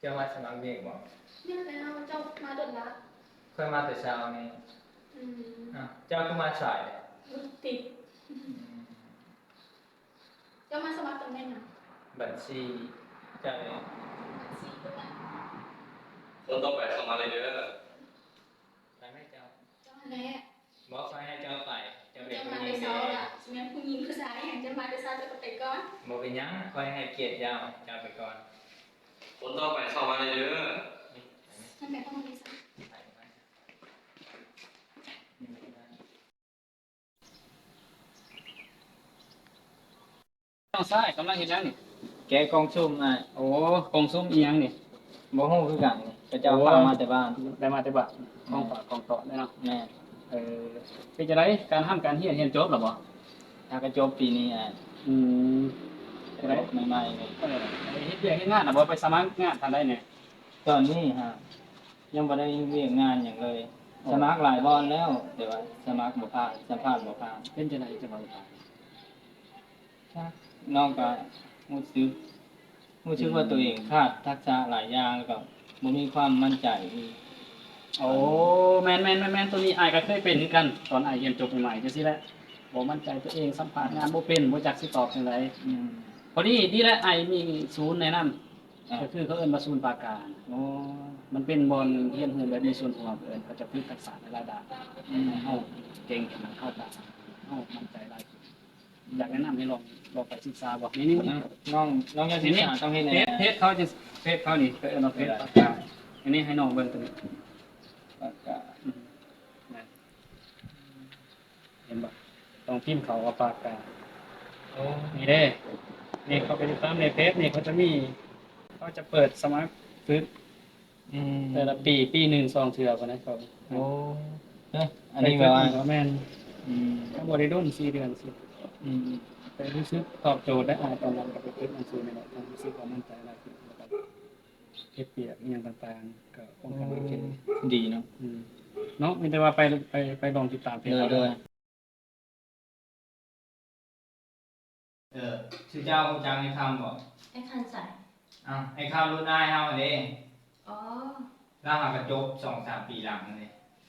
เจ้ามาสมัครเด็กบ่เนี่ยแล้วเจ้ามาโดดละเคยมาแต่เช้านี่เจ้าก็มาสายติดเจ้ามาสมัครตำแหน่งไหนบัญชีเจ้าเองคนต่อไปเข้ามาเลยเด้อไปไหมเจ้าแน่บอกไปให้เจ้าไปเจ้ามาในเช้าละใช่ไหมผู้หญิงผู้ชายอย่างจะมาในเช้าจะไปก่อนบอกเป็นยังคอยให้เกียรติเจ้าไปก่อนคนต่อไปเข้ามาเลยเด้อท่านแม่ต้องมาในเช้าต้องซ้ายกำลังเห็นยังนี่แกกองซุ่มโอ้กองซุ้มอีหยังนี่บ่ฮู้คือกันนี่เจ้าฟังมาแต่บ้านได้มาแต่บ้านกองฝากกองต่อได้เนาะแม่เป็นจังไดการทำการเรียนจบแล้วบ่ถ้ากระจบปีนี้อืมจังได๋ใหม่ๆนี่เฮ็ดเวียกเฮ็ดงานน่ะบ่ไปสมัครงานทางใดเนี่ยตอนนี้ยังบ่ได้เวียกงานหยังเลยสมัครหลายบอนแล้วแต่ว่าสมัครบ่ผ่านสัมภาษณ์บ่ผ่านเป็นจังไดจังบ่ผ่านน้องก็รู้สึกว่าตัวเองขาดทักษะหลายอย่างแล้วก็บ่มีความมั่นใจโอ้แม่นตัวนี้อ้ายก็เคยเป็นเหมือนกันตอนอ้ายเรียนจบใหม่ๆจังซี่แหละบ่มั่นใจตัวเองสัมภาษณ์งานบ่เป็นบ่จักสิตอบจังไดพอดีแหละอ้ายมีศูนย์แนะนำก็คือเขาเอิ้นว่าศูนย์ปราการมันเป็นบ่อนเรียนรู้แบบมีส่วนร่วมเอิ้นเขาจะฝึกทักษะในหลายด้านเฮาเก่งขึ้นเข้าตาเฮามั่นใจหลายอยากแนะนำให้ลองไปศึกษาบ่นี่น้องอยากศึกษาต้องเฮ็ดแหน่เพจเขาจะเพจเขานี่เอิ้นว่าเพจปากกาอันนี้ให้น้องเบิ่งตัวนี้ปากกาเห็นบ่ต้องพิมพ์เขาว่าปากกานี่เด้นี่เขาไปติดตามในเพจนี่เขาจะมีเขาจะเปิดสมัครฝึกแต่ละปี1 2เทื่อพุ่นนะเขาอันนี้แบบว่าแม่นก็บ่ได้โดน4 เดือนสิแต่รู้สึกตอบโจทย์ได้ตอนนั้นก็ไปเก็บหนังสือนี่แหละรู้สึกว่ามั่นใจหลายขึ้นแล้วก็เก็บเปียกอีหยังต่างๆก็ป้องกันเก่งดีเนาะเนาะมีแต่ว่าไปลองติดตามเพจเด้อชื่อเจ้าจังให้คำบ่ไอ้คันใส่ไอ้คำรุ่นอ้ายเฮาเด้อ๋อเราหากระจบ 2-3 ปีหลังนั่นเด้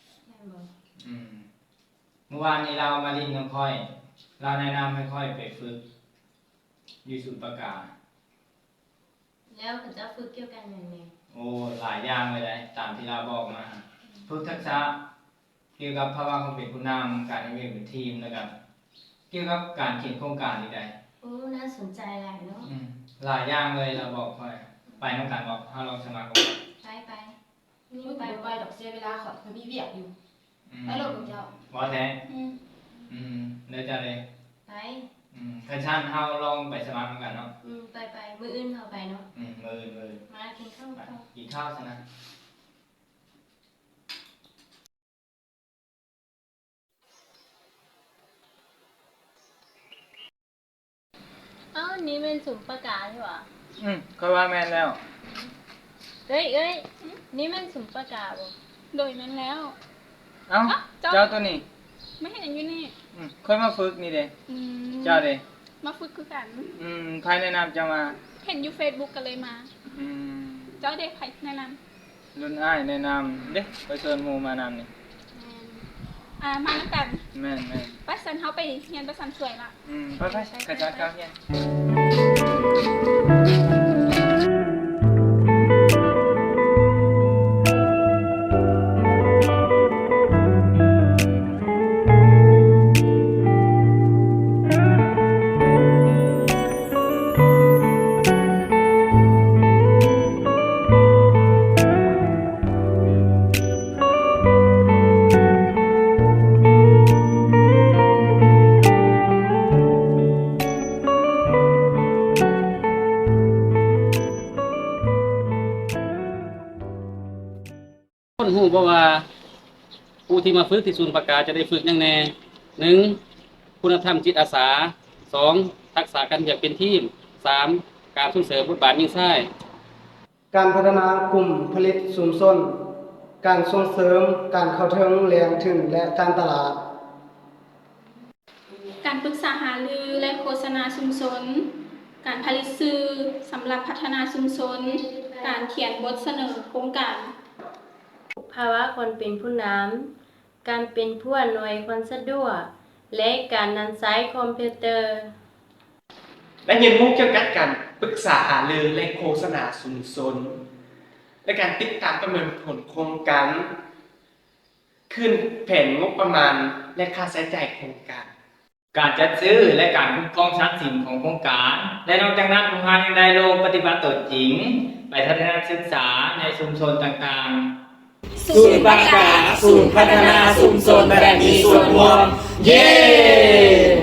เมื่อวานนี้เรามาลิ้นกับค่อยเราแนะนำให้ค่อยไปฝึกอยู่ศูนย์ประกาศแล้วเขาจะฝึกเกี่ยวกับอย่างไรโอ้หลายอย่างเลยตามที่เราบอกมาฝึกทักษะเกี่ยวกับภาวะความเป็นผู้นำการทำงานเป็นทีมแล้วก็เกี่ยวกับการเขียนโครงการนี่ได้โอ้น่าสนใจหลายเนาะหลายอย่างเลยเราบอกค่อยไปน้องการบอกถ้าเราสมัครก่อนไปนี่ไปดอกเสียเวลาขอมีเวียกอยู่ไปโหลดของเจ้าบอแท้เดี๋ยวจะเลยไปคันชั่นเฮาลองไปสมัครกันเนาะไปมื้ออื่นเฮาไปเนาะมื้ออื่นมากินข้าวกินข้าวซะนะนี่เป็นสุ่มประกาศใช่ป่ะค่อยว่าแม่นแล้วเอ้ยนี่มันสุ่มประกาศบ่โดยนั้นแล้วเจ้าตัวนี้ไม่เห็นอย่างอยู่นี่ค่อยมาฝึกนี่เด้เจ้าเด้มาฝึกคือกันใครแนะนำเจ้ามาเห็นอยู่ Facebook กันเลยมาเจ้าเด็กใครแนะนำรุ่นอ้ายแนะนำเด้ไปเชิญหมู่มานำนี่มาแล้วกันแม่นไปสันเฮาไปเรียนประสันสวยละไปกระจัดกาเฮียคนฮู้บ่ว่าผู้ที่มาฝึกที่ศูนย์ประกาศจะได้ฝึกอย่างแน่1คุณธรรมจิตอาสา2ทักษะการเรียนเป็นทีม3การส่งเสริมบทบาทยิ่งใช้การพัฒนากลุ่มผลิตชุมชนการส่งเสริมการเข้าถึงแหล่งทุนและการตลาดการปรึกษาหารือและโฆษณาชุมชนการผลิตสื่อสำหรับพัฒนาชุมชนการเขียนบทเสนอโครงการภาวะคนเป็นผู้นำการเป็นผู้อำนวยความสะดวกและการนำใช้คอมพิวเตอร์และเรียนรู้เกี่ยวกับการปรึกษาหารือและโฆษณาชุมชนและการติดตามประเมินผลโครงการขึ้นแผนงบประมาณและค่าใช้จ่ายโครงการการจัดซื้อและการคุ้มครองทรัพย์สินของโครงการ และนอกจากนั้นผู้พานยังได้ลงปฏิบัติตนจริง ไปทัศนศึกษาในชุมชนต่างๆศูนย์ประกาศศูนย์พัฒนาชุมชนแบบมีส่วนร่วม เย้